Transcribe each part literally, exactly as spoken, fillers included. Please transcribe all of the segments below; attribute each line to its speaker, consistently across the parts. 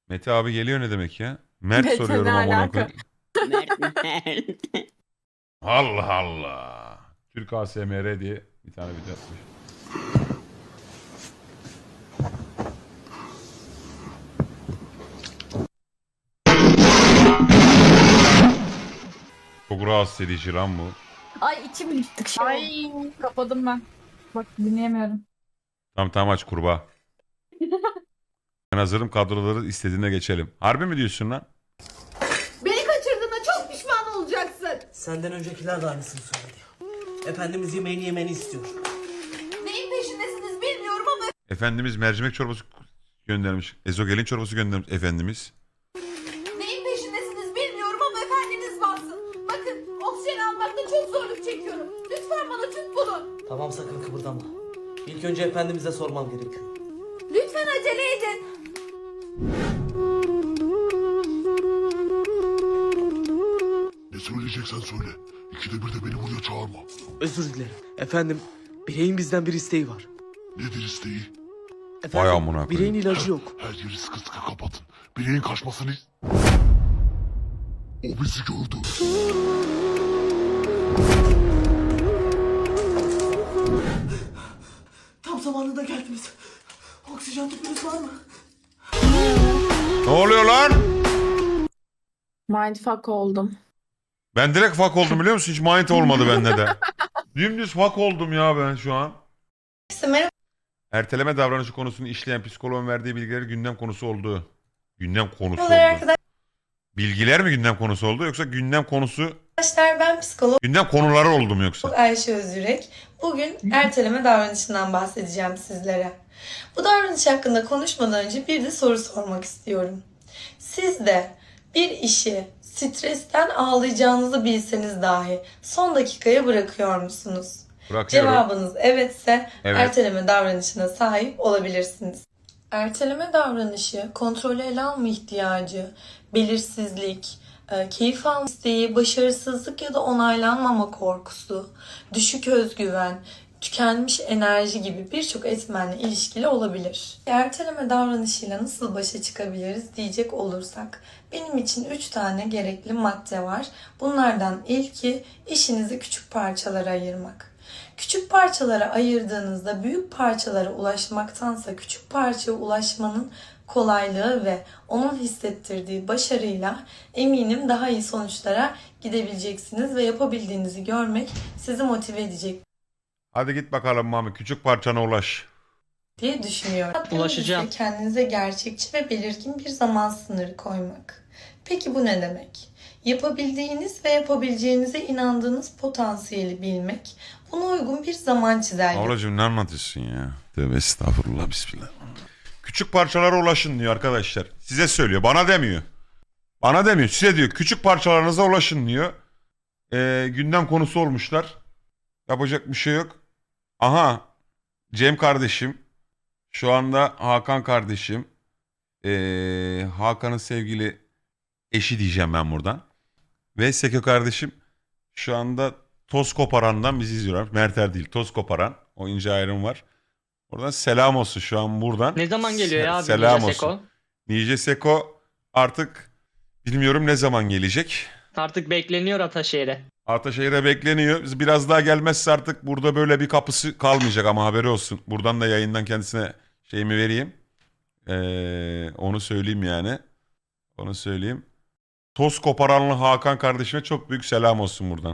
Speaker 1: Mete abi geliyor ne demek ya? Mert
Speaker 2: Mete
Speaker 1: soruyorum
Speaker 2: ne
Speaker 1: amına
Speaker 2: alaka?
Speaker 1: koyayım.
Speaker 3: Mert Mert.
Speaker 1: Allah Allah. Türk A S M R diye bir tane video atmış. Çok rahatsız edici lan bu.
Speaker 2: Ay içim gittik şey Ay kapadım ben. Bak dinleyemiyorum.
Speaker 1: Tamam tamam aç kurbağa. Ben hazırım, kadroları istediğine geçelim. Harbi mi diyorsun lan?
Speaker 4: Beni kaçırdığına çok pişman olacaksın.
Speaker 5: Senden öncekiler de aynısını söyledi. Efendimiz yemeğini yemeni istiyor.
Speaker 4: Neyin peşindesiniz bilmiyorum ama
Speaker 1: Efendimiz mercimek çorbası göndermiş. Ezogelin çorbası göndermiş Efendimiz.
Speaker 4: neyin peşindesiniz bilmiyorum ama efendiniz bassın. Bakın oksijen almakta çok zorluk çekiyorum. Lütfen bana tüp bulun.
Speaker 5: Tamam, sakın kıpırdama. İlk önce Efendimiz'e sormam gerekiyor.
Speaker 4: Lütfen acele edin.
Speaker 6: Ne söyleyeceksen söyle. İkide bir de beni buraya çağırma.
Speaker 5: Özür dilerim. Efendim, bireyin bizden bir isteği var.
Speaker 6: Nedir isteği?
Speaker 5: Efendim,
Speaker 1: Vay amına koyayım.
Speaker 5: bireyin ilacı yok.
Speaker 6: Her yeri sıkı sıkı kapatın. Bireyin kaçmasını... O bizi gördü.
Speaker 5: Tam zamanında geldiniz. Oksijen tüpünüz var mı?
Speaker 1: Ne oluyor lan?
Speaker 2: Mindfuck oldum.
Speaker 1: Ben direkt fuck oldum biliyor musun? Hiç mind olmadı bende de. Dümdüz fuck oldum ya ben şu an. Erteleme davranışı konusunu işleyen psikoloğun verdiği bilgiler gündem konusu oldu. Gündem konusu oldu. Bilgiler mi gündem konusu oldu yoksa gündem konusu...
Speaker 7: Arkadaşlar, ben psikolog
Speaker 1: Gündem konuları oldu mu yoksa?
Speaker 7: Ayşe Özürek. Bugün erteleme davranışından bahsedeceğim sizlere. Bu davranış hakkında konuşmadan önce bir de soru sormak istiyorum. Siz de bir işi stresten ağlayacağınızı bilseniz dahi son dakikaya bırakıyor musunuz?
Speaker 1: Bırakıyorum.
Speaker 7: Cevabınız evetse
Speaker 1: Evet.
Speaker 7: erteleme davranışına sahip olabilirsiniz. Erteleme davranışı, kontrolü ele alma ihtiyacı, belirsizlik, e, keyif alma isteği, başarısızlık ya da onaylanmama korkusu, düşük özgüven, tükenmiş enerji gibi birçok etmenle ilişkili olabilir. Erteleme davranışıyla nasıl başa çıkabiliriz diyecek olursak, benim için üç tane gerekli madde var. Bunlardan ilki işinizi küçük parçalara ayırmak. Küçük parçalara ayırdığınızda büyük parçalara ulaşmaktansa küçük parçaya ulaşmanın kolaylığı ve onun hissettirdiği başarıyla eminim daha iyi sonuçlara gidebileceksiniz ve yapabildiğinizi görmek sizi motive edecek
Speaker 1: Hadi git bakalım Mami. Küçük parçana ulaş.
Speaker 7: diye düşünüyorum.
Speaker 3: Ulaşacağım.
Speaker 7: Ise kendinize gerçekçi ve belirgin bir zaman sınırı koymak. Peki bu ne demek? Yapabildiğiniz ve yapabileceğinize inandığınız potansiyeli bilmek, buna uygun bir zaman çizelgesi
Speaker 1: Ablacığım ne anlatıyorsun ya? Tövbe estağfurullah bismillah. Küçük parçalara ulaşın diyor arkadaşlar. Size söylüyor. Bana demiyor. Bana demiyor. Size diyor. Küçük parçalarınıza ulaşın diyor. Ee, gündem konusu olmuşlar. Yapacak bir şey yok. Aha. Cem kardeşim. Şu anda Hakan kardeşim. Ee, Hakan'ın sevgili eşi diyeceğim ben buradan. Ve Seko kardeşim şu anda Toz Koparan'dan bizi izliyorlar. Merter değil, Toz Koparan. O ince ayrım var. Oradan selam olsun şu an buradan.
Speaker 3: Ne zaman geliyor ya abi?
Speaker 1: Selam
Speaker 3: Ninja
Speaker 1: olsun.
Speaker 3: Seko?
Speaker 1: Nice Seko artık bilmiyorum ne zaman gelecek.
Speaker 3: Artık bekleniyor Ataşehir'e.
Speaker 1: Ataşehir'e bekleniyor. Biz biraz daha gelmezse artık burada böyle bir kapısı kalmayacak ama haberi olsun. Buradan da yayından kendisine şeyimi vereyim. Ee, onu söyleyeyim yani. Onu söyleyeyim. Toz Koparanlı Hakan kardeşime çok büyük selam olsun buradan.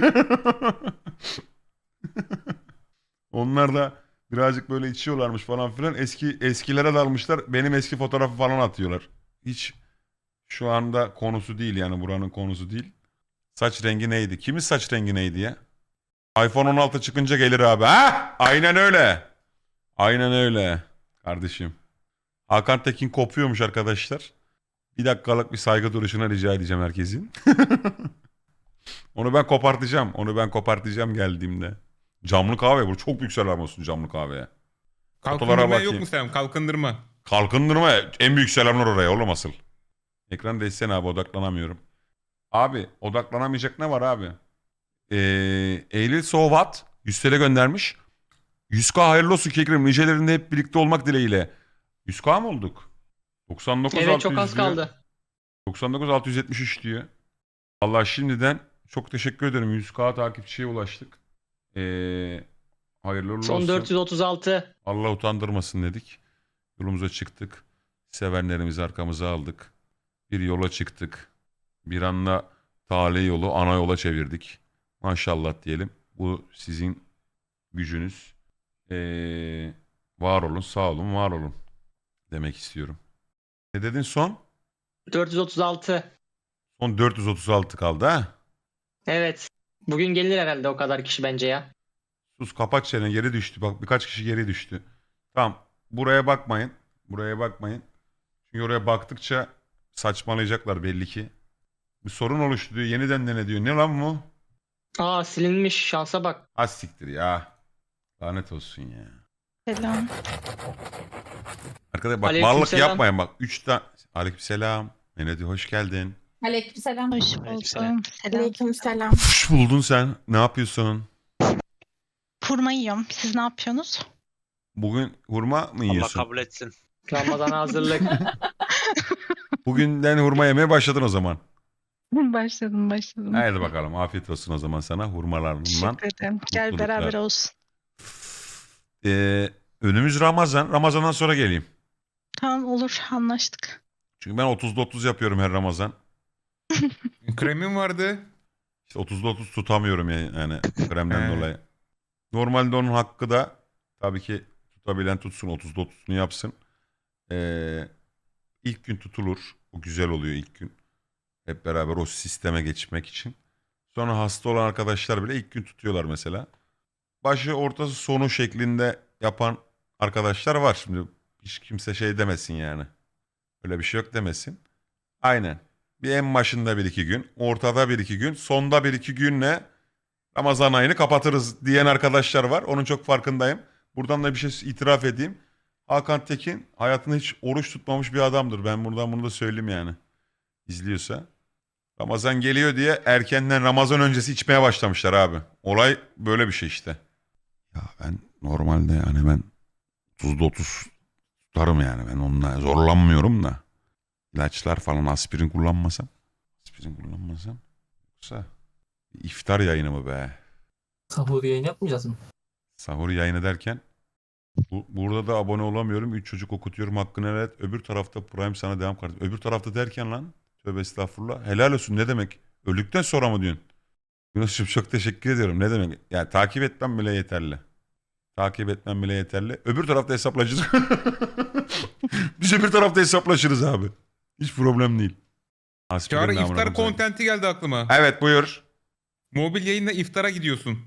Speaker 1: Onlar da birazcık böyle içiyorlarmış falan filan. Eski eskilere dalmışlar. Benim eski fotoğrafı falan atıyorlar. Hiç şu anda konusu değil yani buranın konusu değil. Saç rengi neydi? Kimin saç rengi neydi ya? iPhone on altı çıkınca gelir abi. Ha? Aynen öyle. Aynen öyle kardeşim. Hakan Tekin kopuyormuş arkadaşlar. Bir dakikalık bir saygı duruşuna rica edeceğim herkesin. Onu ben kopartacağım. Onu ben kopartacağım geldiğimde. Camlı kahve bu. Çok büyük selam olsun camlı kahveye. Fotolara
Speaker 8: Kalkındırma yok
Speaker 1: bakayım.
Speaker 8: mu selam? Kalkındırma.
Speaker 1: Kalkındırma en büyük selamlar oraya oğlum asıl. Ekran değişsene abi odaklanamıyorum. Abi odaklanamayacak ne var abi? Ee, Eylül Sovat yüz T L göndermiş. yüz K hayırlı olsun Kekrim. Nicelerinde hep birlikte olmak dileğiyle. yüz K mı olduk? doksan dokuz
Speaker 3: Evet çok az
Speaker 1: diyor.
Speaker 3: kaldı.
Speaker 1: doksan dokuz altı yüz yetmiş üç diyor. Allah şimdiden çok teşekkür ederim. yüz bin takipçiye ulaştık. Ee, hayırlı uğurlu
Speaker 3: Son
Speaker 1: olsun.
Speaker 3: dört yüz otuz altı.
Speaker 1: Allah utandırmasın dedik. Yolumuza çıktık. Sevenlerimizi arkamıza aldık. Bir yola çıktık. Bir anda tali yolu ana yola çevirdik. Maşallah diyelim. Bu sizin gücünüz. Ee, var olun, sağ olun, var olun demek istiyorum. Ne dedin son?
Speaker 3: dört yüz otuz altı.
Speaker 1: Son dört yüz otuz altı kaldı ha?
Speaker 3: Evet. Bugün gelir herhalde o kadar kişi bence ya.
Speaker 1: Sus kapat çeneni, geri düştü. Bak birkaç kişi geri düştü. Tamam, buraya bakmayın. Buraya bakmayın. Çünkü oraya baktıkça saçmalayacaklar belli ki. Bir sorun oluştu diyor. Yeniden dene diyor. Ne lan bu?
Speaker 3: Aa silinmiş şansa bak.
Speaker 1: Az siktir ya. Lanet olsun ya.
Speaker 2: Selam.
Speaker 1: Arkadaşlar bak
Speaker 3: Aleykümselam.
Speaker 1: varlık yapmayın bak. Üç tane. Aleykümselam. Melody hoş geldin.
Speaker 2: Aleykümselam.
Speaker 8: Hoş buldum. Selam.
Speaker 2: Aleykümselam.
Speaker 1: Hoş buldun sen. Ne yapıyorsun?
Speaker 8: Hurma yiyorum. Siz ne yapıyorsunuz?
Speaker 1: Bugün hurma mı
Speaker 9: Allah
Speaker 1: yiyorsun?
Speaker 9: kabul etsin.
Speaker 3: Ramazana hazırlık.
Speaker 1: Bugünden hurma yemeye başladın o zaman.
Speaker 8: Başladım başladım.
Speaker 1: Haydi bakalım. Afiyet olsun o zaman sana hurmalarından.
Speaker 8: Teşekkür ederim. Gel
Speaker 1: mutluluklar.
Speaker 8: beraber olsun.
Speaker 1: Ee, önümüz Ramazan. Ramazan'dan sonra geleyim.
Speaker 8: Tamam olur anlaştık.
Speaker 1: Çünkü ben otuzda otuz yapıyorum her Ramazan.
Speaker 10: Kremin vardı.
Speaker 1: İşte otuzda otuz tutamıyorum yani, yani kremden
Speaker 10: He.
Speaker 1: dolayı. Normalde onun hakkı da tabii ki tutabilen tutsun, otuzda otuzunu yapsın. Ee, ilk gün tutulur. O güzel oluyor ilk gün. Hep beraber o sisteme geçmek için. Sonra hasta olan arkadaşlar bile ilk gün tutuyorlar mesela. Başı ortası sonu şeklinde yapan arkadaşlar var. Şimdi hiç kimse şey demesin yani. Öyle bir şey yok demesin. Aynen. Bir en başında bir iki gün, ortada bir iki gün, sonda bir iki günle Ramazan ayını kapatırız diyen arkadaşlar var. Onun çok farkındayım. Buradan da bir şey itiraf edeyim. Hakan Tekin hayatında hiç oruç tutmamış bir adamdır. Ben buradan bunu da söyleyeyim yani. İzliyorsa. Ramazan geliyor diye erkenden Ramazan öncesi içmeye başlamışlar abi. Olay böyle bir şey işte. Ya ben normalde yani ben otuzda otuz tutarım yani. Ben onunla zorlanmıyorum da. İlaçlar falan aspirin kullanmasam. Aspirin kullanmasam. Yoksa iftar yayını mı be?
Speaker 5: Sahur yayın yapmayacağız mı?
Speaker 1: Sahur yayını derken bu, burada da abone olamıyorum. Üç çocuk okutuyorum hakkını helal et. Öbür tarafta Prime sana devam kardeşim. Öbür tarafta derken lan. Tövbe estağfurullah. Helal olsun ne demek? Öldükten sonra mı diyorsun? Yunus'cum çok teşekkür ediyorum. Ne demek? Yani takip etmem bile yeterli. Takip etmem bile yeterli. Öbür tarafta hesaplaşırız. Biz öbür tarafta hesaplaşırız abi. Hiç problem değil. Aspirin
Speaker 10: Çağrı
Speaker 1: namına
Speaker 10: iftar
Speaker 1: koyayım.
Speaker 10: kontenti geldi aklıma.
Speaker 1: Evet buyur.
Speaker 10: Mobil yayında iftara gidiyorsun.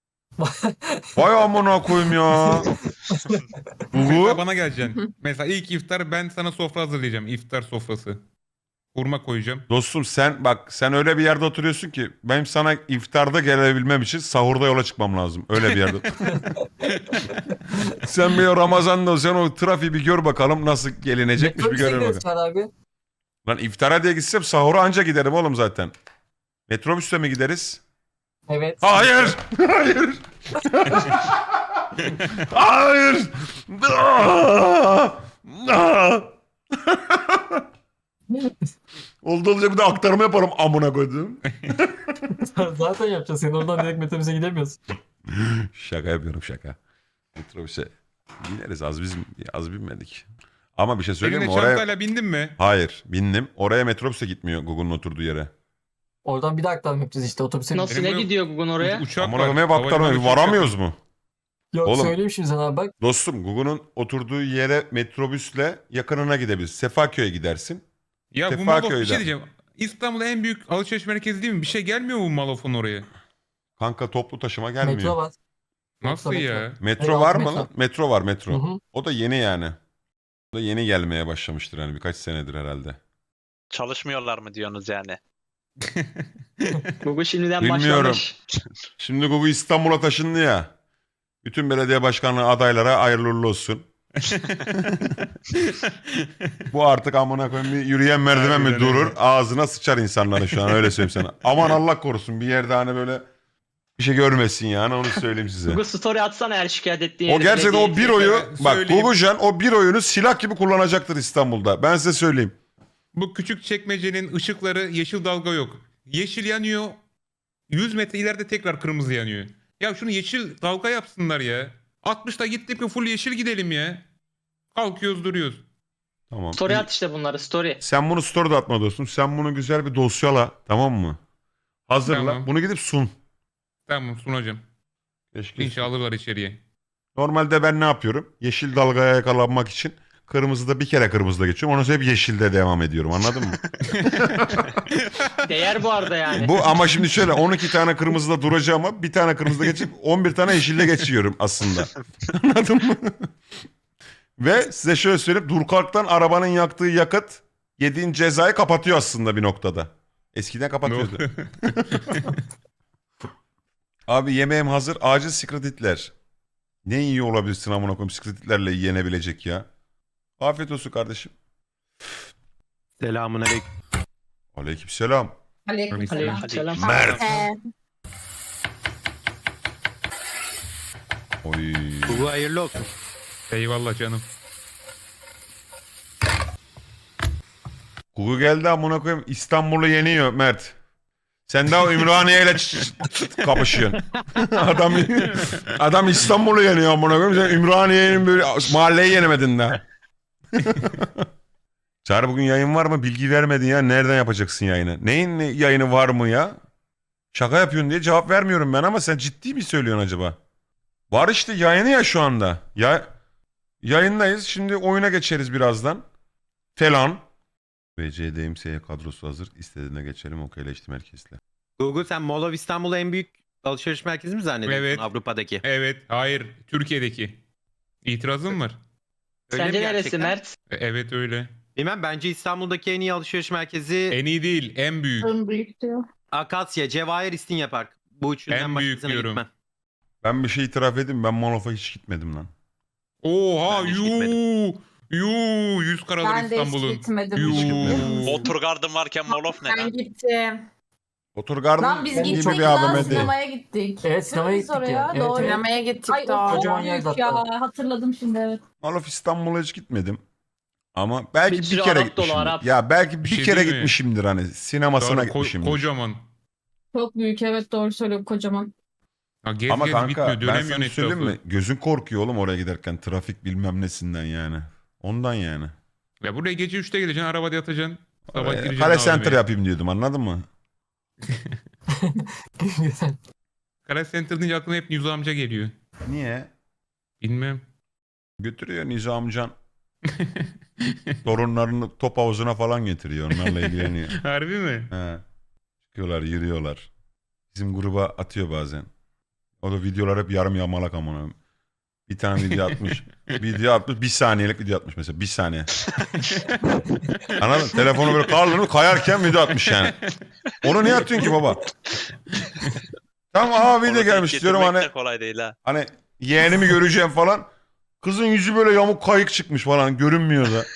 Speaker 1: Vay amına koyayım ya.
Speaker 10: Mesela
Speaker 1: Bu
Speaker 10: bana geleceksin. Mesela ilk iftar ben sana sofra hazırlayacağım. İftar sofrası. Hurma koyacağım.
Speaker 1: dostum sen bak sen öyle bir yerde oturuyorsun ki benim sana iftarda gelebilmem için sahurda yola çıkmam lazım. Öyle bir yerde. Sen bir o Ramazan'da sen o trafiği bir gör bakalım nasıl gelinecekmiş bir görelim bakalım.
Speaker 5: abi.
Speaker 1: Lan iftara diye gitsem sahura anca giderim oğlum zaten. Metrobüste mi gideriz?
Speaker 5: Evet.
Speaker 1: Hayır! Hayır! Hayır! Aa! Aa! Oldu olacak bir de aktarma yaparım amına koydum.
Speaker 5: Zaten yapacağız. Sen oradan direkt metrobüse gidemiyorsun.
Speaker 1: Şaka yapıyorum şaka. Metrobüse bineriz az biz az binmedik. Ama bir şey söyleyeyim
Speaker 10: Eline
Speaker 1: mi? Oraya...
Speaker 10: çantayla bindin mi?
Speaker 1: Hayır bindim. Oraya metrobüse gitmiyor Google'un oturduğu yere.
Speaker 5: Oradan bir de aktarma yapacağız işte otobüse.
Speaker 3: Nasıl
Speaker 10: Benim
Speaker 3: ne
Speaker 10: buraya-
Speaker 3: gidiyor Gugun oraya?
Speaker 10: Uçak
Speaker 1: Amına
Speaker 10: var.
Speaker 1: koyayım hep aktarma.
Speaker 10: Havalimanı uçak
Speaker 1: Varamıyoruz
Speaker 10: var.
Speaker 1: mu?
Speaker 5: Yok
Speaker 1: Oğlum.
Speaker 5: söyleyeyim şimdi sana abi bak.
Speaker 1: Dostum Google'un oturduğu yere metrobüsle yakınına gidebilirsin. Sefaköy'e gidersin.
Speaker 10: Ya bu
Speaker 1: Sefaköy'den.
Speaker 10: Malof bir şey diyeceğim. İstanbul'da en büyük alışveriş merkezi değil mi? Bir şey gelmiyor mu bu Malof'un oraya?
Speaker 1: Kanka toplu taşıma gelmiyor.
Speaker 5: Metro
Speaker 1: Metro,
Speaker 5: var.
Speaker 10: Nasıl
Speaker 5: Metro,
Speaker 10: ya?
Speaker 5: metro.
Speaker 1: var
Speaker 5: Evet,
Speaker 1: mı
Speaker 5: metro.
Speaker 1: lan? Metro var metro.
Speaker 5: Hı hı.
Speaker 1: O da yeni yani. O da yeni gelmeye başlamıştır yani birkaç senedir herhalde.
Speaker 9: Çalışmıyorlar mı diyorsunuz yani?
Speaker 3: Gugun şimdiden
Speaker 1: Bilmiyorum.
Speaker 3: başlamış.
Speaker 1: Şimdi Google İstanbul'a taşındı ya. Bütün belediye başkanlığı adaylara hayırlı uğurlu olsun. Bu artık amına koyayım bir yürüyen merdiven mi
Speaker 10: Harbiden
Speaker 1: durur?
Speaker 10: öyle.
Speaker 1: Ağzına sıçar insanların şu an öyle söyleyeyim sana. Aman Allah korusun bir yerde hani böyle bir şey görmesin yani, onu söyleyeyim size.
Speaker 3: Google Story atsana eğer şikayet ettiğin
Speaker 1: O
Speaker 3: yeri
Speaker 1: gerçekten o
Speaker 3: belediye-
Speaker 1: bir oyu
Speaker 10: Ben
Speaker 1: bak
Speaker 10: söyleyeyim.
Speaker 1: Gugucan o bir oyunu silah gibi kullanacaktır İstanbul'da. Ben size söyleyeyim.
Speaker 10: Bu küçük çekmecenin ışıkları yeşil dalga yok. Yeşil yanıyor. yüz metre ileride tekrar kırmızı yanıyor. Ya şunu yeşil dalga yapsınlar ya. altmışta gittik mi full yeşil gidelim ya. Kalkıyoruz duruyoruz.
Speaker 1: Tamam.
Speaker 3: Story
Speaker 1: İyi.
Speaker 3: at işte bunları story.
Speaker 1: Sen bunu story'de atma dostum. Sen bunu güzel bir dosyala, tamam mı? Hazırla.
Speaker 10: Tamam.
Speaker 1: Bunu gidip sun.
Speaker 10: Tamam sunacağım.
Speaker 1: Keşke.
Speaker 10: İnşallah alırlar içeriye.
Speaker 1: Normalde ben ne yapıyorum? Yeşil dalgaya yakalanmak için kırmızıda bir kere kırmızıda geçiyorum. Ondan sonra hep yeşilde devam ediyorum. Anladın mı?
Speaker 3: Değer bu arada yani.
Speaker 1: Bu ama şimdi şöyle on iki tane kırmızıda duracağım ama bir tane kırmızıda geçip on bir tane yeşilde geçiyorum aslında. Anladın mı? Ve size şöyle söyleyeyim. Dur kalktan arabanın yaktığı yakıt yediğin cezayı kapatıyor aslında bir noktada. Eskiden kapatıyordu. Abi yemeğim hazır. Acil Secret Hitler. Ne iyi olabilirsin amına koyayım Secret Hitler'le yenebilecek ya. Afiyet olsun kardeşim.
Speaker 9: Selamun aleyküm.
Speaker 1: Aleykümselam.
Speaker 2: Aleykümselam.
Speaker 3: Aleykümselam.
Speaker 1: Mert.
Speaker 2: Ee,
Speaker 1: Oy.
Speaker 9: Bu hayırlı olsun.
Speaker 10: Eyvallah canım.
Speaker 1: Google geldi amına koyayım. İstanbul'u yeniyor Mert. Sen daha Ümraniye ile ç- ç- kapışıyorsun. adam adam İstanbul'u yeniyor amına koyayım. Sen Ümraniye'nin böyle mahalleyi yenemedin daha. Çağrı bugün yayın var mı? Bilgi vermedin ya. Nereden yapacaksın yayını? Neyin yayını var mı ya? Şaka yapıyorsun diye cevap vermiyorum ben ama sen ciddi mi söylüyorsun acaba? Var işte yayını ya şu anda. Ya yayındayız. Şimdi oyuna geçeriz birazdan. Falan. V C D M S kadrosu hazır. İstediğine geçelim. Okeyleştim herkesle.
Speaker 9: Google sen Mall of İstanbul'u en büyük alışveriş merkezi mi zannediyorsun
Speaker 10: Evet.
Speaker 9: Avrupa'daki?
Speaker 10: Evet. Hayır. Türkiye'deki. İtirazım var.
Speaker 9: Öyle
Speaker 3: Sence
Speaker 9: mi
Speaker 3: neresi
Speaker 9: gerçekten?
Speaker 3: Mert?
Speaker 10: E, Evet öyle.
Speaker 9: Bilmem, bence İstanbul'daki en iyi alışveriş merkezi
Speaker 10: En iyi değil. En büyük.
Speaker 2: en büyük diyor.
Speaker 9: Akasya, Cevahir, İstinye Park. Bu üçünden
Speaker 10: En büyük
Speaker 9: başkasına
Speaker 10: diyorum.
Speaker 9: gitmem.
Speaker 1: Ben bir şey itiraf edeyim. Ben Molof'a hiç gitmedim lan.
Speaker 10: Oha
Speaker 9: Ben hiç
Speaker 10: yuu. Yuu. Yüz karalar
Speaker 2: Ben de hiç
Speaker 10: İstanbul'un.
Speaker 2: gitmedim.
Speaker 10: Yuu.
Speaker 9: Oturgardım varken Molof ne
Speaker 2: Ben
Speaker 9: lan?
Speaker 2: gittim.
Speaker 1: Oturgarden
Speaker 2: Lan biz
Speaker 1: gibi
Speaker 2: gittik
Speaker 1: bir
Speaker 2: lan
Speaker 1: A V M değil.
Speaker 2: sinemaya gittik.
Speaker 5: Evet, sinemaya
Speaker 2: Değil mi
Speaker 5: gittik
Speaker 2: oraya?
Speaker 5: ya. Evet,
Speaker 2: Doğru.
Speaker 5: evet.
Speaker 2: Sinemaya gittik Ay,
Speaker 5: daha.
Speaker 2: o çok
Speaker 5: Kocaman
Speaker 2: büyük
Speaker 5: yer
Speaker 2: ya.
Speaker 5: zaten.
Speaker 2: Hatırladım şimdi evet.
Speaker 1: Molof İstanbul'a hiç gitmedim. Ama belki
Speaker 3: Bir
Speaker 1: bir,
Speaker 3: sürü
Speaker 1: kere
Speaker 3: Arap dolu,
Speaker 1: gitmişimdir.
Speaker 3: Arap.
Speaker 1: Ya belki bir,
Speaker 10: Bir şey
Speaker 1: kere
Speaker 10: değil mi?
Speaker 1: gitmişimdir hani. Sinemasına
Speaker 10: Doğru, ko-
Speaker 1: gitmişimdir.
Speaker 10: kocaman.
Speaker 2: Çok büyük evet doğru söylüyorum kocaman.
Speaker 10: Ha, gez
Speaker 1: Ama
Speaker 10: gez
Speaker 1: kanka
Speaker 10: bitmiyor.
Speaker 1: ben
Speaker 10: Dönemiyorsun
Speaker 1: sana söyleyeyim
Speaker 10: etrafı.
Speaker 1: mi? Gözün korkuyor oğlum oraya giderken. Trafik bilmem nesinden yani. Ondan yani.
Speaker 10: Ya buraya gece üçte geleceksin. Arabada yatacaksın. Sabah
Speaker 1: Oraya
Speaker 10: gireceksin.
Speaker 1: Kale
Speaker 10: A V M'ye.
Speaker 1: Center yapayım diyordum, anladın mı?
Speaker 10: Kara Center deyince aklıma hep Nüzü amca geliyor.
Speaker 1: Niye?
Speaker 10: Bilmem.
Speaker 1: Götürüyor Nizamcan. Torunlarını top havuzuna falan getiriyor. Onlarla ilgileniyor.
Speaker 10: Harbi mi?
Speaker 1: He. Çıkıyorlar, yürüyorlar. Bizim gruba atıyor bazen. O da videolar hep yarım yamalak amına. Bir tane video atmış. video atmış. Bir saniyelik video atmış mesela. Bir saniye. Anladın mı? Telefonu böyle kaldırıp kayarken video atmış yani. Onu niye atıyorsun ki baba? Tamam aa video gelmiş diyorum hani.
Speaker 9: kolay değil ha.
Speaker 1: Hani yeğenimi göreceğim falan. Kızın yüzü böyle yamuk kayık çıkmış falan. Görünmüyor da.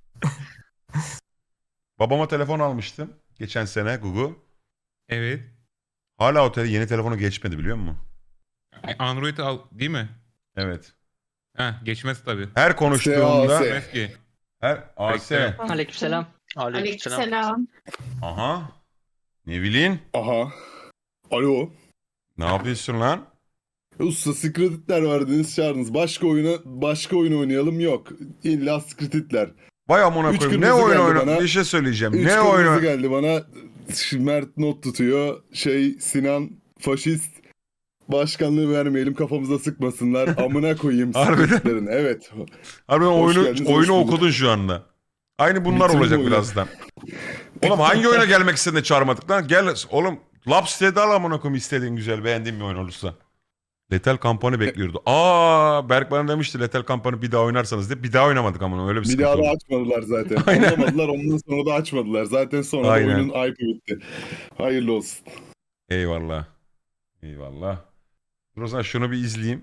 Speaker 1: Babama telefon almıştım. Geçen sene Gugu.
Speaker 10: Evet.
Speaker 1: Hala o tele- yeni telefonu geçmedi biliyor musun?
Speaker 10: Android al değil mi?
Speaker 1: Evet.
Speaker 10: Heh, geçmez tabii.
Speaker 1: Her konuştuğumda
Speaker 10: Geçmez ki.
Speaker 1: her A S.
Speaker 10: Bekle.
Speaker 3: Aleykümselam.
Speaker 2: Aleykümselam.
Speaker 1: Aha. Ne bileyim?
Speaker 6: Aha. Alo.
Speaker 1: Ne yapıyorsun lan?
Speaker 6: Usta Secretitler vardınız çağırdınız. Başka oyuna başka oyun oynayalım yok. İlla Secretitler.
Speaker 1: Vay amına
Speaker 6: Üç
Speaker 1: koyayım. Ne
Speaker 6: kırmızı
Speaker 1: oyun
Speaker 6: geldi
Speaker 1: oyna?
Speaker 6: bana.
Speaker 1: Bir şey söyleyeceğim.
Speaker 6: Üç
Speaker 1: ne
Speaker 6: kırmızı
Speaker 1: oyun?
Speaker 6: geldi bana. Mert not tutuyor. Şey Sinan faşist. Başkanlığı vermeyelim kafamıza sıkmasınlar. Amına koyayım
Speaker 1: Harbiden.
Speaker 6: Secretitlerin. Evet.
Speaker 1: Harbiden
Speaker 6: Hoş
Speaker 1: oyunu
Speaker 6: geldiniz, hoş
Speaker 1: oyunu
Speaker 6: bulduk.
Speaker 1: okudun şu anda. Aynı bunlar
Speaker 6: Bitirin
Speaker 1: olacak
Speaker 6: oyunu.
Speaker 1: birazdan. Oğlum hangi oyuna gelmek istedin de çağırmadık lan? Gel oğlum. Laps dedi al amına koyayım istediğin güzel beğendiğin bir oyun olursa. Lethal Company bekliyordu. Aa Berk bana demişti Lethal Company bir daha oynarsanız diye. Bir daha oynamadık ama öyle bir
Speaker 6: Bir
Speaker 1: sıkıntı
Speaker 6: daha
Speaker 1: oldu.
Speaker 6: da açmadılar zaten.
Speaker 1: Aynen.
Speaker 6: Anlamadılar ondan sonra da açmadılar. Zaten sonra da
Speaker 1: Aynen.
Speaker 6: oyunun hype'ı bitti. Hayırlı olsun.
Speaker 1: Eyvallah. Eyvallah. Dur o zaman şunu bir izleyeyim.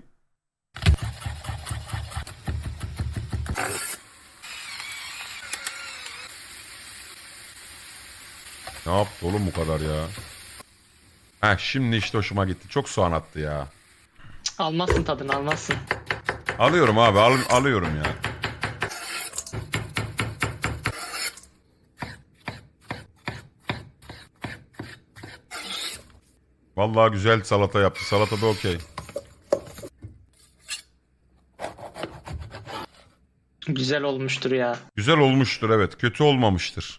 Speaker 1: Ne yaptı oğlum bu kadar ya? Ha şimdi işte hoşuma gitti. Çok soğan attı ya.
Speaker 3: Almazsın tadını almazsın.
Speaker 1: Alıyorum abi al, alıyorum ya. Vallahi güzel salata yaptı. Salata da okey.
Speaker 3: Güzel olmuştur ya.
Speaker 1: Güzel olmuştur evet. Kötü olmamıştır.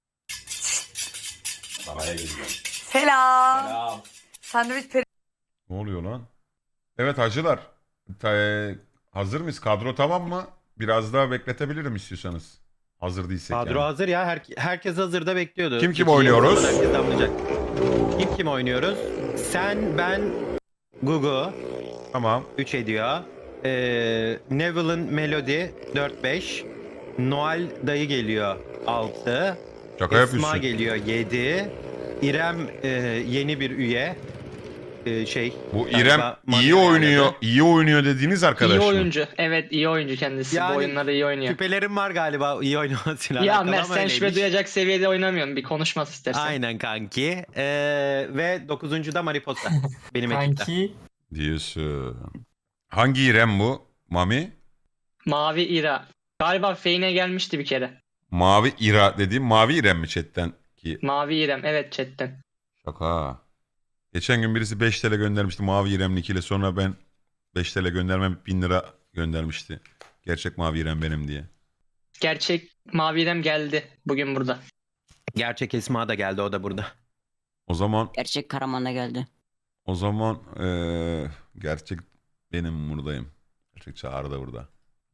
Speaker 7: Selam. Sandviç peri...
Speaker 1: Ne oluyor lan? Evet hacılar. Ta- hazır mıyız? Kadro tamam mı? Biraz daha bekletebilirim istiyorsanız. Hazır değilsek
Speaker 9: Kadro
Speaker 1: yani.
Speaker 9: hazır ya. Her, herkes hazırda bekliyordu.
Speaker 1: Kim kim
Speaker 9: İki
Speaker 1: oynuyoruz?
Speaker 9: yıl herkes damlayacak. Kim kim oynuyoruz? Sen, ben, Gugu
Speaker 1: Tamam.
Speaker 9: üç ediyor. Ee, Neville'ın Melody dört beş. Noel dayı geliyor altı.
Speaker 1: Şaka
Speaker 9: Esma
Speaker 1: yapıyorsun.
Speaker 9: geliyor yedi. İrem e, yeni bir üye. E, şey.
Speaker 1: Bu
Speaker 9: galiba
Speaker 1: İrem
Speaker 9: Mami
Speaker 1: iyi oynuyor.
Speaker 9: ayarladı.
Speaker 1: iyi oynuyor dediğiniz arkadaş
Speaker 3: İyi
Speaker 1: mı?
Speaker 3: oyuncu. Evet iyi oyuncu kendisi.
Speaker 9: Yani
Speaker 3: Bu oyunları iyi oynuyor.
Speaker 9: Şüphelerim var galiba iyi oynamasıyla
Speaker 3: Ya
Speaker 9: alakalı
Speaker 3: Mert
Speaker 9: ama
Speaker 3: sen şüphe
Speaker 9: öyleymiş.
Speaker 3: duyacak seviyede oynamıyorsun. Bir konuşmaz istersen.
Speaker 9: Aynen kanki. Ee, ve dokuzuncu da Mariposa. Benim ekipte.
Speaker 1: Diyorsun. Hangi İrem bu? Mami?
Speaker 3: Mavi İra. Galiba Feyne gelmişti bir kere.
Speaker 1: Mavi İra dediğim Mavi İrem mi chatten? Ki
Speaker 3: Mavi İrem. Evet chatten.
Speaker 1: şaka. Geçen gün birisi beş T L göndermişti Mavi İrem ile sonra ben beş T L göndermem bin lira göndermişti. Gerçek Mavi İrem benim diye.
Speaker 3: Gerçek Mavi İrem geldi bugün burada.
Speaker 9: Gerçek Esma da geldi o da burada.
Speaker 1: O zaman
Speaker 11: Gerçek Karaman'da geldi.
Speaker 1: o zaman eee, gerçek benim buradayım. Gerçek Çağrı da burada.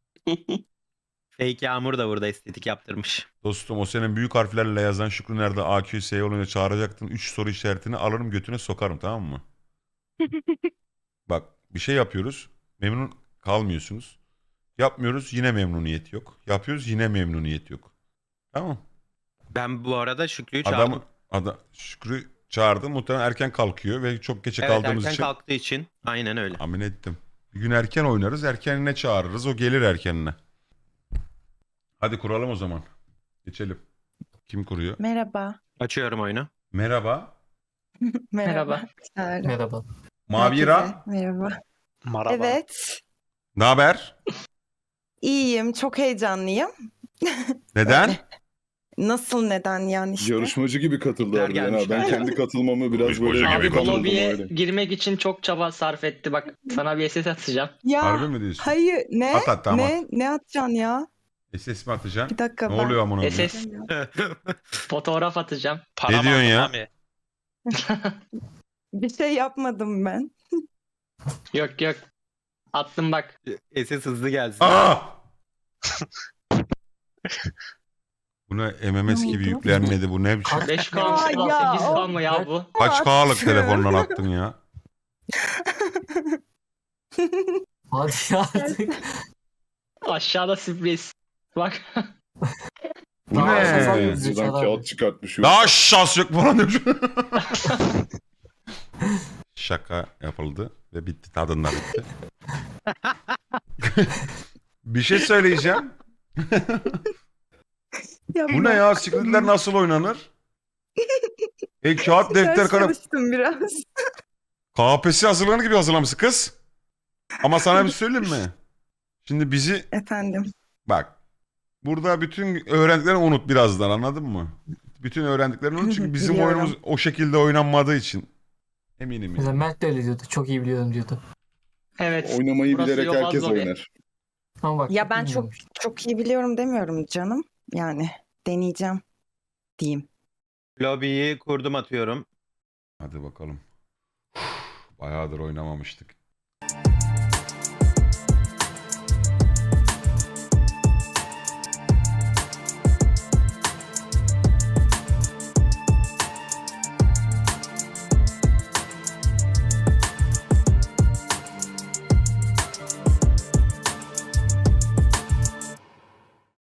Speaker 9: Fake Yağmur da burada estetik yaptırmış.
Speaker 1: Dostum o senin büyük harflerle yazan Şükrü nerede A Q S olunca çağıracaktın. üç soru işaretini alırım götüne sokarım tamam mı? Bak bir şey yapıyoruz. Memnun kalmıyorsunuz. Yapmıyoruz yine memnuniyet yok. Yapıyoruz yine memnuniyet yok. Tamam.
Speaker 9: Ben bu arada Şükrü'yü çağırdım.
Speaker 1: Adamı ada, Şükrü çağırdı. Muhtemelen erken kalkıyor ve çok geçe
Speaker 9: Evet
Speaker 1: kaldığımız
Speaker 9: erken
Speaker 1: için
Speaker 9: kalktığı için. Aynen öyle.
Speaker 1: tahmin ettim. Bir gün erken oynarız. Erkenine çağırırız. O gelir erkenine. Hadi kuralım o zaman. Geçelim. Kim kuruyor?
Speaker 7: Merhaba.
Speaker 9: Açıyorum oyunu.
Speaker 1: Merhaba.
Speaker 3: Merhaba.
Speaker 10: Merhaba.
Speaker 1: Mavi İra.
Speaker 7: Merhaba.
Speaker 9: Merhaba.
Speaker 7: Evet.
Speaker 1: Ne haber?
Speaker 7: İyiyim. Çok heyecanlıyım.
Speaker 1: Neden?
Speaker 7: Nasıl neden yani işte?
Speaker 6: Yarışmacı gibi katıldı
Speaker 9: Türkler
Speaker 6: harbiden ha. Ben
Speaker 9: gelmişler.
Speaker 6: kendi katılmamı biraz
Speaker 1: Yarışmacı
Speaker 6: böyle
Speaker 1: gibi
Speaker 3: Abi bu
Speaker 1: katıldım
Speaker 3: lobiye
Speaker 6: öyle.
Speaker 3: girmek için çok çaba sarf etti. Bak sana bir S S atacağım.
Speaker 7: Ya
Speaker 1: Harbi mi diyorsun?
Speaker 7: hayır ne?
Speaker 1: At at tamam.
Speaker 7: Ne? Ne atacaksın ya?
Speaker 1: S S mi atacaksın?
Speaker 7: Bir dakika
Speaker 1: Ne
Speaker 7: ben.
Speaker 1: oluyor amına koyayım?
Speaker 3: S S fotoğraf atacağım.
Speaker 1: Ne diyorsun ya?
Speaker 7: Bir şey yapmadım ben.
Speaker 3: Yok yok. Attım bak.
Speaker 9: S S hızlı gelsin.
Speaker 1: Aa! Bu ne M M S
Speaker 7: Ne
Speaker 1: gibi
Speaker 7: oldu?
Speaker 1: yüklenmedi bu ne biçim?
Speaker 3: beş K
Speaker 7: Ya,
Speaker 3: mı
Speaker 7: ya,
Speaker 3: sekiz K mı ya bu?
Speaker 1: Kaç K'lık
Speaker 7: Attım.
Speaker 1: telefondan attın ya?
Speaker 10: Hadi ya artık.
Speaker 3: Aşağıda sürpriz. Bak.
Speaker 1: Bu
Speaker 10: Daha
Speaker 1: ne?
Speaker 10: fazla
Speaker 6: Ee,
Speaker 10: yüzü
Speaker 6: Buradan
Speaker 10: çalar.
Speaker 6: kağıt çıkartmış.
Speaker 1: Daha şans yok falan demiş. Şaka yapıldı ve bitti. Tadında bitti. Bir şey söyleyeceğim. Bu ne ya? Secret'ler nasıl oynanır? E kağıt, defter,
Speaker 7: Ders
Speaker 1: kalem.
Speaker 7: çalıştım biraz.
Speaker 1: K P S S hazırlanır gibi hazırlamışsın kız. Ama sana bir söyleyeyim mi? Şimdi bizi
Speaker 7: Efendim.
Speaker 1: bak. Burada bütün öğrendiklerini unut birazdan anladın mı? Bütün öğrendiklerini unut çünkü bizim
Speaker 7: Biliyorum.
Speaker 1: oyunumuz o şekilde oynanmadığı için. Eminim
Speaker 10: Mesela
Speaker 1: yani.
Speaker 10: Mert de öyle diyordu. Çok iyi biliyorum diyordu.
Speaker 3: Evet.
Speaker 6: Oynamayı
Speaker 3: Burası
Speaker 6: bilerek
Speaker 3: Yobaz
Speaker 6: herkes
Speaker 3: lobi.
Speaker 6: oynar.
Speaker 10: Ama bak.
Speaker 7: Ya ben çok
Speaker 10: bilmiyorum.
Speaker 7: çok iyi biliyorum demiyorum canım. Yani deneyeceğim diyeyim.
Speaker 9: Lobiyi kurdum atıyorum.
Speaker 1: Hadi bakalım. Bayağıdır oynamamıştık.